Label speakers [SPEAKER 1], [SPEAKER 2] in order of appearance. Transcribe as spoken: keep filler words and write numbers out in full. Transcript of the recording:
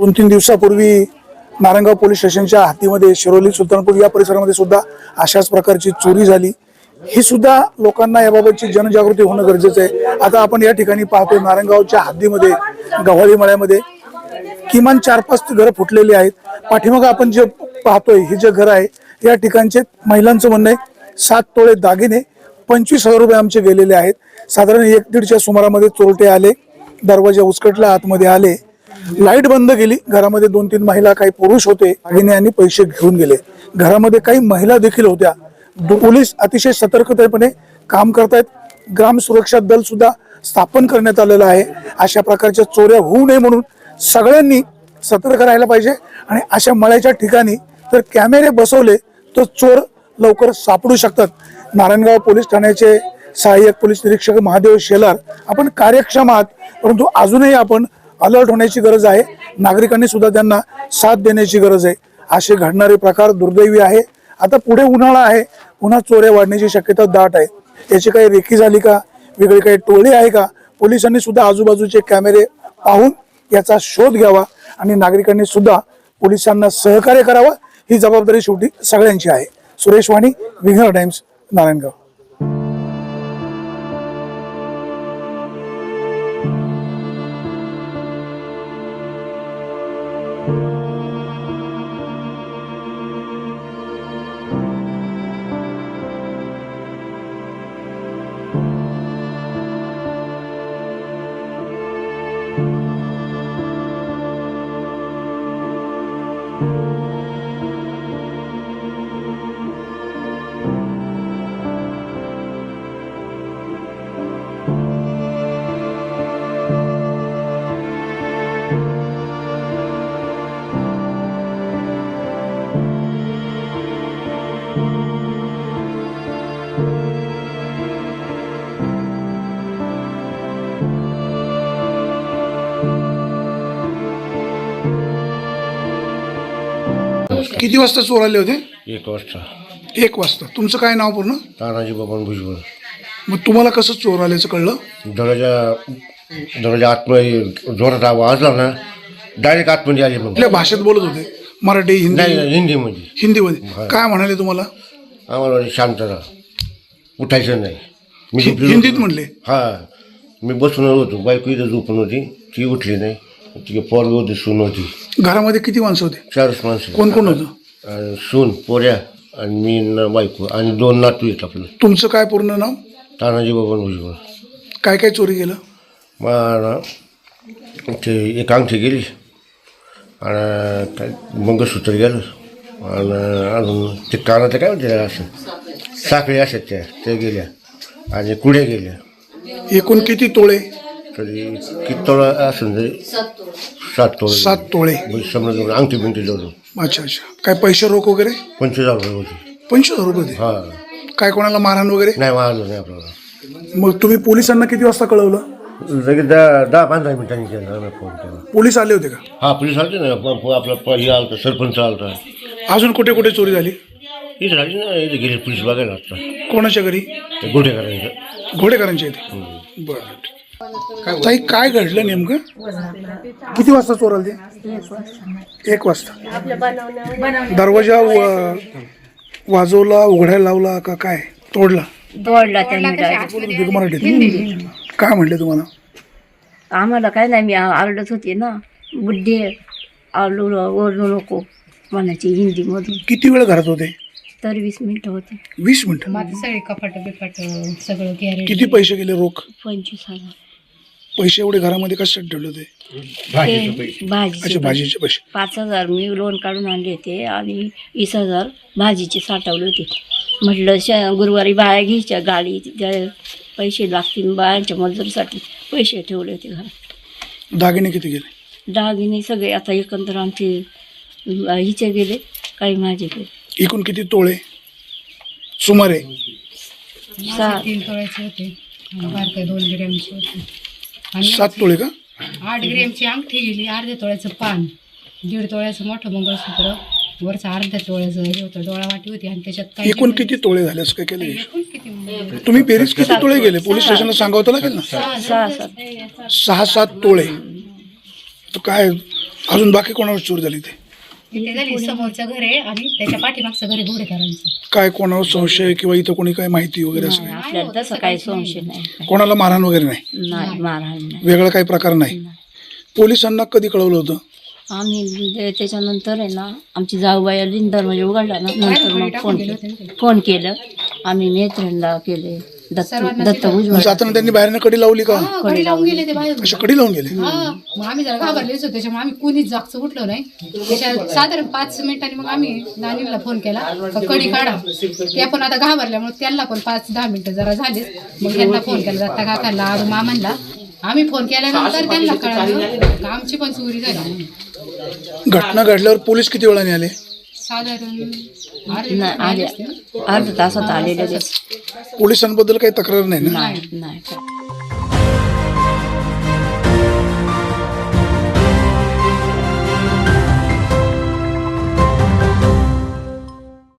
[SPEAKER 1] दोन तीन दिवसापूर्वी नारायणगाव पोलीस स्टेशनच्या हद्दीमध्ये शिरोली सुलतानपूर या परिसरामध्ये सुद्धा अशाच प्रकारची चोरी झाली। ही सुद्धा लोकांना याबाबतची जनजागृती होणं गरजेचं आहे। आता आपण या ठिकाणी पाहतोय नारायणगावच्या हद्दीमध्ये गव्हाळी मळ्यामध्ये किमान चार पाच घरं फुटलेली आहेत। पाठीमागं आपण जे पाहतोय हे जे घर आहे या ठिकाणचे महिलांचं म्हणणं आहे सात तोळे दागिने पंचवीस हजार रुपये आमचे गेलेले आहेत। साधारण एक दीडच्या सुमारामध्ये चोरटे आले, दरवाजा उचकटला, आतमध्ये आले, लाईट बंद केली। घरामध्ये दोन तीन महिला काही पुरुष होते, दागिने आणि पैसे घेऊन गेले। घरामध्ये काही महिला देखील होत्या। पोलीस अतिशय सतर्कतेपणे काम करतायत। ग्राम सुरक्षा दल सुद्धा स्थापन करण्यात आलेलं आहे। अशा प्रकारच्या चोऱ्या होऊ नये म्हणून सगळ्यांनी सतर्क राहायला पाहिजे आणि अशा मळ्याच्या ठिकाणी जर कॅमेरे बसवले तर चोर लवकर सापडू शकतात। नारायणगाव पोलीस ठाण्याचे सहाय्यक पोलीस निरीक्षक महादेव शेलार आपण कार्यक्षम आहात, परंतु अजूनही आपण अलर्ट होण्याची गरज आहे। नागरिकांनी सुद्धा त्यांना साथ देण्याची गरज आहे। असे घडणारे प्रकार दुर्दैवी आहे। आता पुढे उन्हाळा आहे, पुन्हा चोऱ्या वाढण्याची शक्यता दाट आहे। याची काही रेखी झाली का, वेगळी काही टोळी आहे का, पोलिसांनी सुद्धा आजूबाजूचे कॅमेरे पाहून याचा शोध घ्यावा आणि नागरिकांनी सुद्धा पोलिसांना सहकार्य करावं। ही जबाबदारी शेवटी सगळ्यांची आहे। सुरेश वाणी, विघ्नर टाइम्स, नारायणगाव। किती वाजता चोर आले होते?
[SPEAKER 2] एक वाजता।
[SPEAKER 1] एक वाजता। तुमचं काय नाव पूर्ण?
[SPEAKER 2] तानाजी बबन भुजबळ।
[SPEAKER 1] मग तुम्हाला कसं चोर आल्याचं कळलं?
[SPEAKER 2] दरवाजा दरवाजा आतमध्ये जोरात वाजला ना, डायरेक्ट आतमध्ये आले। मग
[SPEAKER 1] कुठल्या भाषेत बोलत होते? मराठी, हिंदी?
[SPEAKER 2] नाही नाही, हिंदीमध्ये।
[SPEAKER 1] हिंदीमध्ये काय म्हणाले तुम्हाला?
[SPEAKER 2] आम्हाला म्हणे, शांत राहा, उठायचं नाही। मी
[SPEAKER 1] हि- हिंदीत म्हणले?
[SPEAKER 2] हां, मी बसून होतो, बायको इथं झोपून होती, ती उठली नाही, ती पोरगी होती, सून होती।
[SPEAKER 1] घरामध्ये किती माणसं होते?
[SPEAKER 2] चारच माणसं।
[SPEAKER 1] कोण कोण होतं?
[SPEAKER 2] अं, सून, पोऱ्या आणि मी न बायको आणि दोन नातू आहेत आपलं।
[SPEAKER 1] तुमचं काय पूर्ण नाव?
[SPEAKER 2] तानाजी बबन भुजबळ।
[SPEAKER 1] काय काय चोरी केलं?
[SPEAKER 2] मला ते एक अंगठी गेली आणि काय मंगळसूत्र गेलं आणि अजून ते कानाचं काय म्हणते असं साखळी अशात त्या त्या गेल्या आणि कुड्या गेल्या।
[SPEAKER 1] एकूण किती तोळे?
[SPEAKER 2] तरी किती तोळा असं तरी सात तोळे।
[SPEAKER 1] सात तोळे।
[SPEAKER 2] समजा अंगठी बिंगठी जोडून।
[SPEAKER 1] अच्छा अच्छा। काय पैसे रोख वगैरे?
[SPEAKER 2] पंचवीस हजार रुपये होते।
[SPEAKER 1] पंचवीस हजार रुपये होते?
[SPEAKER 2] हां।
[SPEAKER 1] काय कोणाला मारहाण वगैरे?
[SPEAKER 2] नाही, मारलं नाही आपल्याला।
[SPEAKER 1] मग तुम्ही पोलिसांना किती वाजता कळवलं?
[SPEAKER 2] लगेच दहा दहा पंधरा मिनिटांनी केला आम्ही फोन केला।
[SPEAKER 1] पोलीस आले होते का?
[SPEAKER 2] हा, पोलीस आलते ना, आपला हे आलता, सरपंच आलता।
[SPEAKER 1] अजून कुठे कुठे चोरी झाली?
[SPEAKER 2] इथं झाली ना, इथे गेले पोलीस बघायला आता।
[SPEAKER 1] कोणाच्या घरी?
[SPEAKER 2] ते घोडेकरांचं।
[SPEAKER 1] घोडेकरांच्या इथे? बरं। ताई काय घडलं नेमकं? किती वाजता चोर आले ते? एक वाजता। दरवाजा व- वाजवला, उघडायला लावला का काय? तोडला?
[SPEAKER 3] तोडला त्यांनी
[SPEAKER 1] बोलत मराठीत? काय म्हणले तुम्हाला?
[SPEAKER 3] आम्हाला काय नाही, मी आरडत होते ना, बुड्ढे आलू ओरडू नको म्हणायची हिंदीमधून।
[SPEAKER 1] किती वेळ घरात होते?
[SPEAKER 3] तर वीस मिनिटं होते।
[SPEAKER 1] वीस मिनिटं?
[SPEAKER 4] माझं सगळे कपाट बिपाट सगळं गॅरेज।
[SPEAKER 1] किती पैसे गेले रोख?
[SPEAKER 3] पंचवीस हजार।
[SPEAKER 1] पैसे एवढे घरामध्ये कशात ठेवले होते?
[SPEAKER 3] ते
[SPEAKER 1] अच्छा,
[SPEAKER 3] भाजीचे
[SPEAKER 1] भाजीचे पैसे?
[SPEAKER 3] पाच हजार मी लोन काढून आणले होते आणि वीस हजार भाजीचे साठवले होते। म्हटलं श गुरुवारी बाया घ्यायच्या, गाडी त्या पैसे लागतील, बायांच्या मजुरीसाठी पैसे ठेवले होते घरात।
[SPEAKER 1] दागिने किती गेले?
[SPEAKER 3] दागिने सगळे आता एकंदर आमचे हिचे गेले, काही माझे गेले।
[SPEAKER 1] एकूण किती तोळे सुमारे?
[SPEAKER 3] सहा
[SPEAKER 4] तीन तोळ्याचे होते, बारके दोन ग्रॅमचे होते आणि
[SPEAKER 1] सात तोळे का?
[SPEAKER 4] आठ ग्रॅमची अंगठी गेली, अर्ध्या तोळ्याचं पान, दीड तोळ्याचं मोठं मंगळसूत्र, वरचं अर्ध्या तोळ्याचं हे होतं, डोळा वाटी होती आणि त्याच्यात काही
[SPEAKER 1] एकूण किती तोळे झाले असं काय केलं?
[SPEAKER 4] एकूण किती म्हणजे
[SPEAKER 1] तुम्ही बेरीज किती तोळे गेले? पोलीस स्टेशनला सांगावं तर लागेल ना?
[SPEAKER 3] सहा सात
[SPEAKER 1] सहा सात तोळे. तर काय अजून बाकी कोणावर चोरी झाली ते
[SPEAKER 4] ते झाली समोरचं घर आहे आणि त्याच्या पाठीमागचं घर आहे घोडेकरांचं.
[SPEAKER 1] काय कोणावर संशय किंवा इथं कोणी काय माहिती वगैरे असं
[SPEAKER 3] नाही, आपल्याला तसं काही संशय नाही.
[SPEAKER 1] कोणाला मारहाण वगैरे नाही,
[SPEAKER 3] नाही मारहाण नाही.
[SPEAKER 1] वेगळा काही प्रकार नाही. पोलिसांना कधी कळवलं होतं?
[SPEAKER 3] आम्ही ते- त्याच्यानंतर आहे ना आमची जाऊबाई आली दरवाजा उघडला ना नंतर मग फोन
[SPEAKER 4] गेले
[SPEAKER 3] केलं
[SPEAKER 4] होते ना ते.
[SPEAKER 3] फोन केलं आम्ही नेत्रणला केले दत्त
[SPEAKER 4] सर्वांना
[SPEAKER 3] दत्त
[SPEAKER 4] केलं.
[SPEAKER 3] उजवळ
[SPEAKER 1] जाताना त्यांनी बाहेरनं कडी लावली का?
[SPEAKER 4] हा, कडी लावून गेले ते बाहेर.
[SPEAKER 1] अशा कडी लावून गेले?
[SPEAKER 4] हा मग आम्ही जरा घाबरलेच होतो त्याच्यामुळे आम्ही कुणीच जागचं उठलो नाही. त्याच्या साधारण पाच मिनिटांनी मग आम्ही नानीला फोन केला का कडी काढा. त्या पण आता घाबरल्यामुळे त्यांना पण पाच दहा मिनिटं जरा झालीच. मग त्यांना फोन केला दत्ता काकांना आरू मामांना. आम्ही फोन केल्यानंतर त्यांना कळालं का आमची पण चोरी झाली.
[SPEAKER 1] घटना घडल्यावर पोलीस किती वेळाने आले?
[SPEAKER 4] साधारण अर्धे
[SPEAKER 3] नाही
[SPEAKER 4] तास
[SPEAKER 3] आले
[SPEAKER 4] असतील.
[SPEAKER 3] अर्ध्या तासात आलेले
[SPEAKER 1] पोलिसांबद्दल काही तक्रार नाही ना?
[SPEAKER 3] नाही नाही